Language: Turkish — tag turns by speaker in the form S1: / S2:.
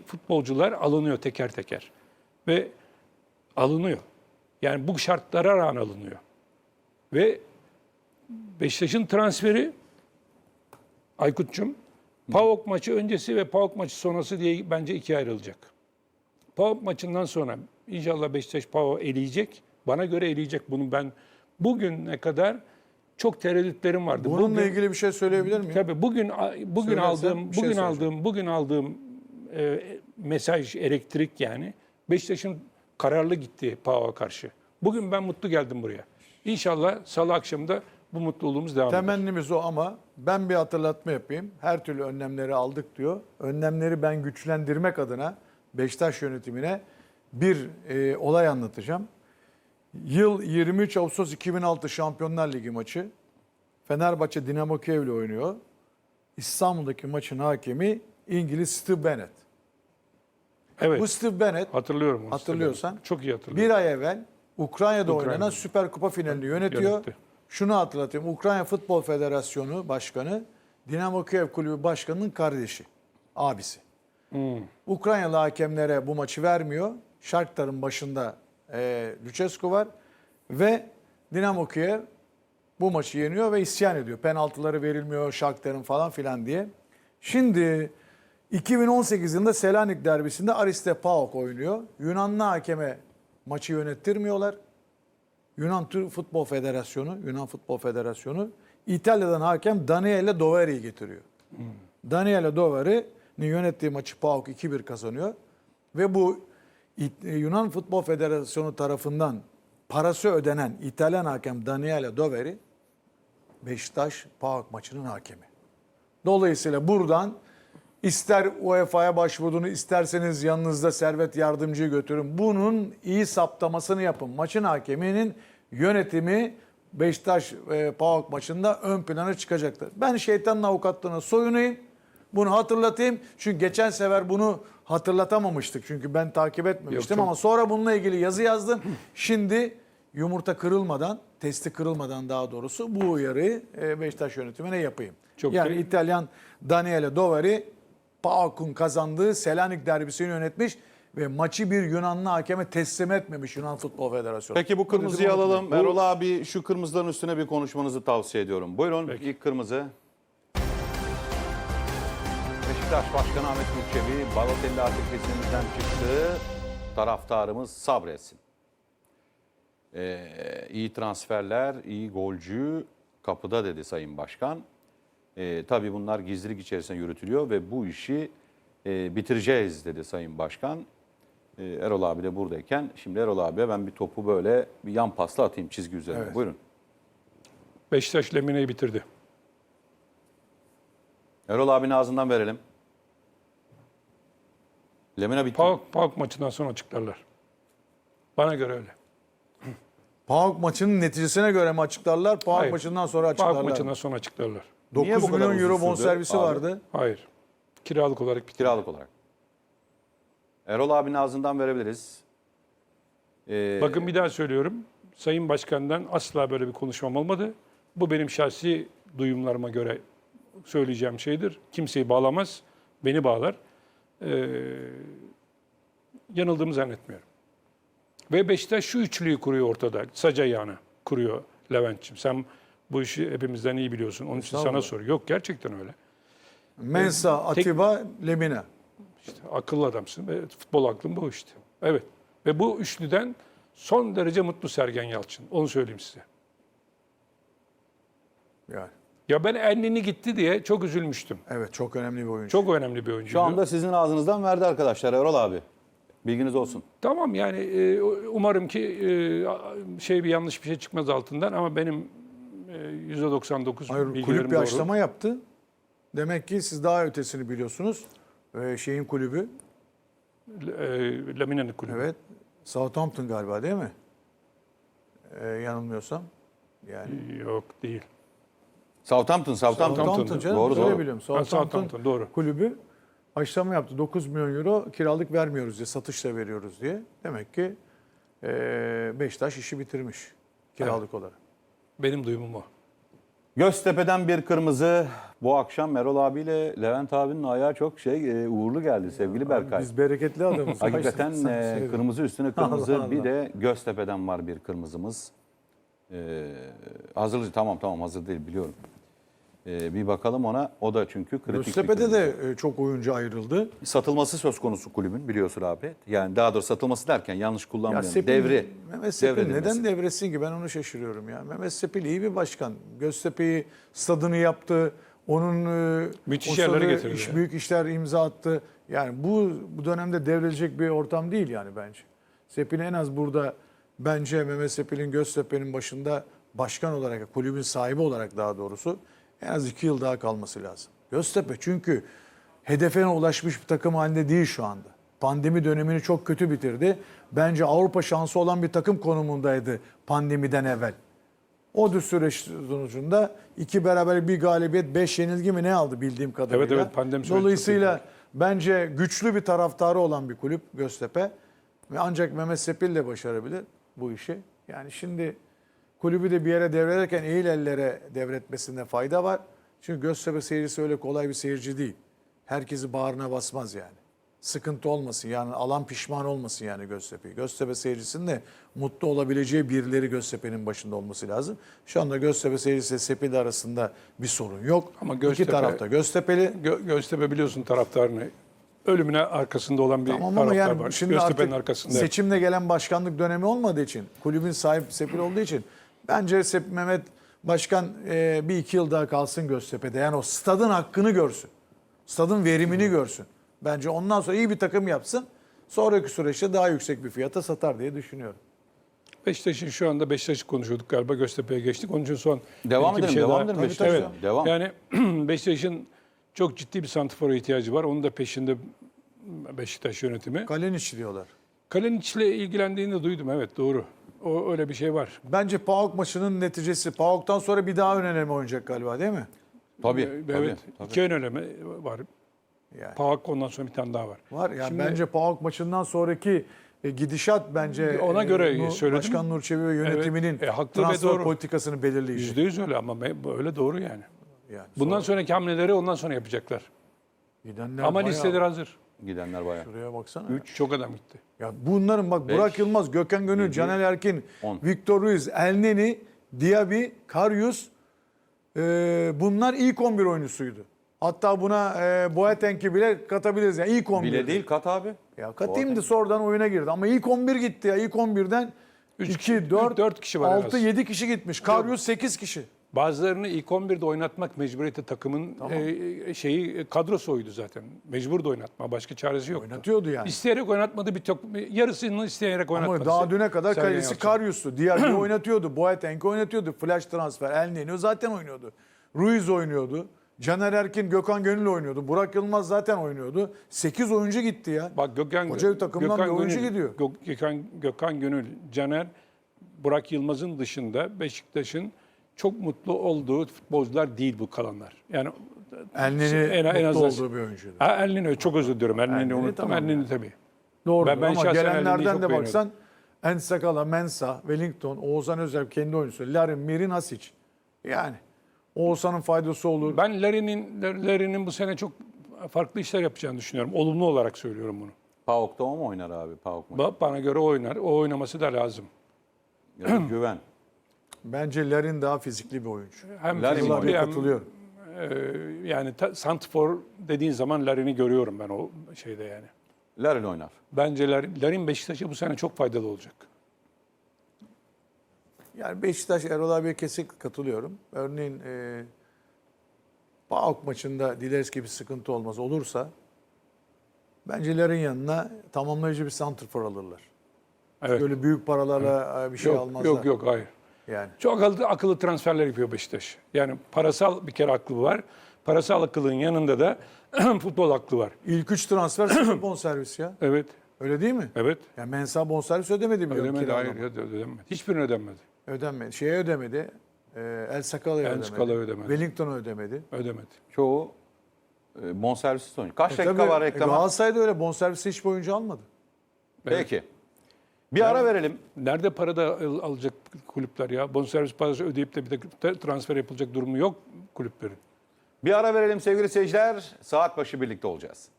S1: futbolcular alınıyor teker teker. Ve alınıyor. Yani bu şartlara rağmen alınıyor. Ve Beşiktaş'ın transferi Aykut'cum PAOK maçı öncesi ve PAOK maçı sonrası diye bence ikiye ayrılacak. PAOK maçından sonra inşallah Beşiktaş PAOK'u eleyecek. Bana göre eleyecek. Bunu ben bugüne kadar çok tereddütlerim vardı.
S2: Bununla ilgili bir şey söyleyebilir miyim?
S1: Tabii bugün
S2: Söylersen
S1: aldığım mesaj, elektrik yani Beşiktaş'ın kararlı gitti PAOK'a karşı. Bugün ben mutlu geldim buraya. İnşallah Salı akşamı da bu mutluluğumuz devam eder.
S2: Temennimiz o ama ben bir hatırlatma yapayım. Her türlü önlemleri aldık diyor. Önlemleri ben güçlendirmek adına Beşiktaş yönetimine bir olay anlatacağım. Yıl 23 Ağustos 2006 Şampiyonlar Ligi maçı. Fenerbahçe Dinamo Kiev'le oynuyor. İstanbul'daki maçın hakemi İngiliz Steve Bennett.
S1: Evet.
S2: Bu Steve Bennett
S1: Hatırlıyorum onu.
S2: hatırlıyorsan
S1: Çok iyi hatırlıyorum.
S2: bir ay evvel Ukrayna'da oynanan Süper Kupa finalini yönetiyor.
S1: Yönetti.
S2: Şunu hatırlatayım. Ukrayna Futbol Federasyonu Başkanı Dinamo Kiev Kulübü Başkanı'nın kardeşi, abisi. Ukraynalı hakemlere bu maçı vermiyor. Shakhtar'ın başında Lucescu var ve Dinamo Kiev bu maçı yeniyor ve isyan ediyor. Penaltıları verilmiyor Shakhtar'ın falan filan diye. Şimdi 2018 yılında Selanik derbisinde Ariste PAOK oynuyor. Yunanlı hakeme maçı yönettirmiyorlar. Yunan Futbol Federasyonu İtalya'dan hakem Daniele Doveri'yi getiriyor. Daniele Doveri'nin yönettiği maçı PAOK 2-1 kazanıyor. Ve bu Yunan Futbol Federasyonu tarafından parası ödenen İtalyan hakem Daniele Doveri Beşiktaş PAOK maçının hakemi. Dolayısıyla buradan ister UEFA'ya başvurduğunu isterseniz yanınızda Servet Yardımcı'yı götürün. Bunun iyi saptamasını yapın. Maçın hakeminin yönetimi Beşiktaş PAOK maçında ön plana çıkacaktır. Ben şeytanın avukatlığına soyunayım. Bunu hatırlatayım. Çünkü geçen sefer bunu hatırlatamamıştık. Çünkü ben takip etmemiştim
S1: Yok,
S2: ama sonra bununla ilgili yazı yazdım. Şimdi yumurta kırılmadan, testi kırılmadan daha doğrusu bu uyarıyı Beşiktaş yönetimine yapayım. Yani İtalyan Daniele Doveri PAOK'un kazandığı Selanik derbisini yönetmiş ve maçı bir Yunanlı hakeme teslim etmemiş Yunan Futbol Federasyonu.
S3: Peki bu kırmızıyı alalım. Erol abi şu kırmızıların üstüne bir konuşmanızı tavsiye ediyorum. Buyurun.
S1: Peki.
S3: İlk kırmızı. Beşiktaş Başkanı Ahmet Nur Balotelli artık kesimimizden çıktı. Taraftarımız sabretsin. İyi transferler, iyi golcü kapıda dedi Sayın Başkan. Tabii bunlar gizlilik içerisinde yürütülüyor ve bu işi bitireceğiz dedi Sayın Başkan. Erol abi de buradayken şimdi Erol abiye ben bir topu böyle bir yan pasla atayım çizgi üzerine.
S2: Evet.
S3: Buyurun.
S1: Beşiktaş Lemine'yi bitirdi.
S3: Erol abinin ağzından verelim. Lemina bitti.
S1: PAOK maçından sonra açıklarlar. Bana göre öyle.
S2: PAOK maçının neticesine göre mi açıklarlar? PAOK
S1: Hayır.
S2: maçından sonra açıklarlar.
S1: PAOK maçından sonra açıklarlar.
S3: Niye
S2: 9
S3: bu kadar
S2: milyon euro
S3: uzun sürdü
S2: bonservisi
S3: abi?
S2: vardı.
S1: Hayır. Kiralık olarak bitirdi.
S3: Kiralık olarak. Erol abinin ağzından verebiliriz.
S1: Bakın bir daha söylüyorum. Sayın Başkan'dan asla böyle bir konuşmam olmadı. Bu benim şahsi duyumlarıma göre söyleyeceğim şeydir. Kimseyi bağlamaz, beni bağlar. Yanıldığımı zannetmiyorum. Ve Beşiktaş şu üçlüyü kuruyor ortada. Sac ayağını kuruyor Levent'ciğim. Sen bu işi hepimizden iyi biliyorsun. Onun için sana soruyor. Yok gerçekten öyle.
S2: Mensah, Atiba, Lemina.
S1: İşte akıllı adamsın ve futbol aklın bu işte. Evet. Ve bu üçlüden son derece mutlu Sergen Yalçın. Onu söyleyeyim size.
S2: Yani.
S1: Ya ben Elneny gitti diye çok üzülmüştüm.
S2: Evet, çok önemli bir oyuncu.
S1: Çok önemli bir oyuncu.
S3: Şu anda sizin ağzınızdan verdi arkadaşlar Erol abi. Bilginiz olsun.
S1: Tamam yani umarım ki bir yanlış bir şey çıkmaz altından ama benim %99
S2: Hayır,
S1: bilgilerim
S2: kulüp bir
S1: doğru.
S2: açıklama yaptı. Demek ki siz daha ötesini biliyorsunuz. Şeyin kulübü.
S1: Lamine'nin kulübü.
S2: Evet. Southampton galiba değil mi? Yanılmıyorsam. Yani.
S1: Yok değil.
S3: Southampton.
S2: Southampton canım.
S3: Doğru,
S2: Öyle
S3: doğru.
S2: biliyorum.
S1: Southampton, doğru.
S2: Kulübü açıklama yaptı. 9 milyon euro kiralık vermiyoruz diye, satışla veriyoruz diye. Demek ki Beşiktaş işi bitirmiş kiralık olarak.
S1: Benim duyumum o.
S3: Göztepe'den bir kırmızı. Bu akşam Erol abiyle Levent abinin ayağı çok uğurlu geldi sevgili Berkay.
S2: Biz bereketli adamız.
S3: Hakikaten kırmızı üstüne kırmızı.
S2: Allah
S3: Bir
S2: Allah.
S3: de Göztepe'den var bir kırmızımız. Hazır tamam hazır değil biliyorum. Bir bakalım ona. O da çünkü kritik bir
S2: Göztepe'de
S3: kırmızı.
S2: de çok oyuncu ayrıldı.
S3: Satılması söz konusu kulübün biliyorsun abi. Yani daha doğrusu satılması derken yanlış
S2: Ya
S3: kullanmıyorum.
S2: Sepil, Mehmet Sepil
S3: devredilmesi.
S2: neden devretsin ki, ben onu şaşırıyorum ya. Mehmet Sepil iyi bir başkan. Göztepe'yi stadını yaptı. Onun
S1: Müthiş
S2: o
S1: yerlere
S2: sırada
S1: getirdi ya.
S2: büyük işler imza attı. Yani bu dönemde devrilecek bir ortam değil yani bence. Sepil en az burada, bence Mehmet Sepil'in Göztepe'nin başında başkan olarak, kulübün sahibi olarak daha doğrusu en az 2 yıl daha kalması lazım. Göztepe çünkü hedefine ulaşmış bir takım halinde değil şu anda. Pandemi dönemini çok kötü bitirdi. Bence Avrupa şansı olan bir takım konumundaydı pandemiden evvel. O süreç sonucunda 2 beraber bir galibiyet, 5 yenilgi mi ne aldı bildiğim kadarıyla.
S1: Evet, pandemi süreci
S2: Dolayısıyla
S1: çok
S2: bence güçlü bir taraftarı olan bir kulüp Göztepe. Ve ancak Mehmet Sepil de başarabilir bu işi. Yani şimdi kulübü de bir yere devrederken eğil ellere devretmesinde fayda var. Çünkü Göztepe seyircisi öyle kolay bir seyirci değil. Herkesi bağrına basmaz yani. Sıkıntı olmasın yani, alan pişman olmasın yani Göztepe'yi. Göztepe seyircisinin de mutlu olabileceği birileri Göztepe'nin başında olması lazım. Şu anda Göztepe seyircisi ile Sepil arasında bir sorun yok.
S1: Ama
S2: İki
S1: Göztepe-
S2: tarafta Göztepe'li.
S1: Göztepe biliyorsun taraftarını. Ölümüne arkasında olan bir
S2: Tamam ama
S1: taraftar
S2: yani
S1: var.
S2: şimdi
S1: Göztepe'nin
S2: artık
S1: arkasında.
S2: seçimle gelen başkanlık dönemi olmadığı için, kulübün sahibi Sepil olduğu için bence Mehmet Başkan bir 2 yıl daha kalsın Göztepe'de. Yani o stadın hakkını görsün. Stadın verimini görsün. Bence ondan sonra iyi bir takım yapsın. Sonraki süreçte daha yüksek bir fiyata satar diye düşünüyorum.
S1: Beşiktaş'ın şu anda Beşiktaş'ı konuşuyorduk galiba. Göztepe'ye geçtik. Onun için son
S3: Devam
S1: bir iki
S3: edelim, devam
S1: daha-
S3: edelim.
S2: Tabii,
S3: Beşiktaş.
S2: tabii.
S3: Devam.
S1: Yani Beşiktaş'ın çok ciddi bir santrfora ihtiyacı var. Onun da peşinde Beşiktaş yönetimi.
S2: Kalenic diyorlar.
S1: Kalinic'le ilgilendiğini de duydum. Evet doğru. O öyle bir şey var.
S2: Bence PAOK maçının neticesi. PAOK'tan sonra bir daha ön eleme oynayacak galiba değil mi?
S3: Tabii.
S1: Evet.
S3: tabii.
S1: İki ön eleme var.
S2: Yani.
S1: PAOK ondan sonra bir tane daha var.
S2: Var yani
S1: Şimdi-
S2: bence PAOK maçından sonraki gidişat bence
S1: Ona göre söyledim.
S2: Başkan Nur Çebi ve yönetiminin
S1: Evet, haklı ve
S2: transfer
S1: doğru.
S2: politikasını belirleyecek.
S1: %100 öyle ama öyle doğru yani.
S2: Yani
S1: Bundan sonraki hamleleri ondan sonra yapacaklar.
S2: gidenler
S1: Ama
S2: bayağı-
S1: listeler hazır.
S3: Gidenler bayağı.
S2: Şuraya baksana.
S1: Çok adam gitti.
S2: Ya bunların bak,
S3: Beş,
S2: Burak Yılmaz, Gökhan Gönül,
S3: 7,
S2: Caner Erkin,
S3: 10.
S2: Victor Ruiz, Elneny, Diaby, Karius, bunlar ilk 11 oyuncusuydu. Hatta buna Boateng'i bile katabiliriz. Yani ilk 11.
S3: Bile değil kat abi.
S2: Ya katayım da sonradan oyuna girdi. Ama ilk 11 gitti ya. İlk 11'den 2, 4,
S1: dört kişi var en
S2: 6,
S1: az.
S2: 7 kişi gitmiş. Karius 8 kişi.
S1: Bazılarını ilk 11'de oynatmak mecburiyeti takımın kadrosu oydu zaten. Mecbur da oynatma. Başka çaresi yoktu.
S2: Oynatıyordu yani.
S1: İsteyerek oynatmadı yarısını isteyerek oynatmadı.
S2: Ama daha düne kadar
S1: Sergen
S2: kalesi
S1: Yalçın.
S2: Karius'tu. Diğerleri oynatıyordu. Boateng oynatıyordu. Flash transfer. Elneny zaten oynuyordu. Ruiz oynuyordu. Caner Erkin, Gökhan Gönül oynuyordu. Burak Yılmaz zaten oynuyordu. 8 oyuncu gitti ya.
S1: Bak
S2: Koca bir takımdan bir oyuncu gidiyor.
S1: Gökhan Gönül, Caner, Burak Yılmaz'ın dışında Beşiktaş'ın çok mutlu olduğu futbolcular değil bu kalanlar. Yani
S2: Elneny
S1: en
S2: mutlu
S1: azından-
S2: olduğu bir oyuncuydu.
S1: Elneny çok özür diliyorum. Elneny'i
S2: Elneny
S1: unuttum.
S2: tamam
S1: Elneny
S2: yani.
S1: tabii.
S2: Doğru.
S1: Ben
S2: Ama
S1: şahsen Elneny'i
S2: gelenlerden
S1: çok
S2: de
S1: beğeniyordum.
S2: baksan Ensakala, Mensah, Wellington, Oğuzhan Özel kendi oyuncusu. Larin, Mirin, Hasic. Yani Oğuzhan'ın faydası olur.
S1: Ben Larin'in bu sene çok farklı işler yapacağını düşünüyorum. Olumlu olarak söylüyorum bunu.
S3: PAOK'ta o mu oynar abi? PAOK mu?
S1: Bana göre o oynar. O oynaması da lazım.
S3: Yani güven.
S2: Bence Larin daha fizikli bir oyuncu.
S1: Hem
S3: Larin mi
S1: fizikli
S3: oynuyor?
S1: hem
S2: Katılıyorum.
S1: yani santrfor dediğin zaman Larin'i görüyorum ben o şeyde yani.
S3: Larin oynar.
S1: Bence Larin Beşiktaş'a bu sene çok faydalı olacak.
S2: Yani Beşiktaş, Erol abiye kesinlikle katılıyorum. Örneğin PAOK maçında dileriz ki bir sıkıntı olmaz olursa bence Larin yanına tamamlayıcı bir santrfor alırlar.
S1: Evet.
S2: Böyle büyük paralarla bir şey almazlar.
S1: Yok hayır.
S2: Yani.
S1: Çok akıllı transferler yapıyor Beşiktaş. Yani parasal bir kere aklı var. Parasal akıllığın yanında da futbol aklı var.
S2: İlk 3 transfer sıfır bonservis ya.
S1: Evet.
S2: Öyle değil mi?
S1: Evet.
S2: Yani Mensah bonservis ödemedi biliyorum.
S1: Ödemedi.
S2: kiralama.
S1: Hayır ödemedi. Hiçbirini ödemedi.
S2: Ödenmedi. Şeye ödemedi. El Sakala'ya
S1: El
S2: ödemedi.
S1: Sakala'ya ödemedi.
S2: Wellington'a ödemedi.
S1: Ödemedi.
S3: Çoğu bonservissiz oynuyor. Kaç dakika
S2: Tabii,
S3: var reklama?
S2: Galatasaray'da öyle bonservisi hiçbir oyuncu almadı.
S3: Peki. Bir ara verelim.
S1: Nerede para da alacak kulüpler ya? Bonservis parası ödeyip de bir de transfer yapılacak durumu yok kulüplerin.
S3: Bir ara verelim sevgili seyirciler. Saat başı birlikte olacağız.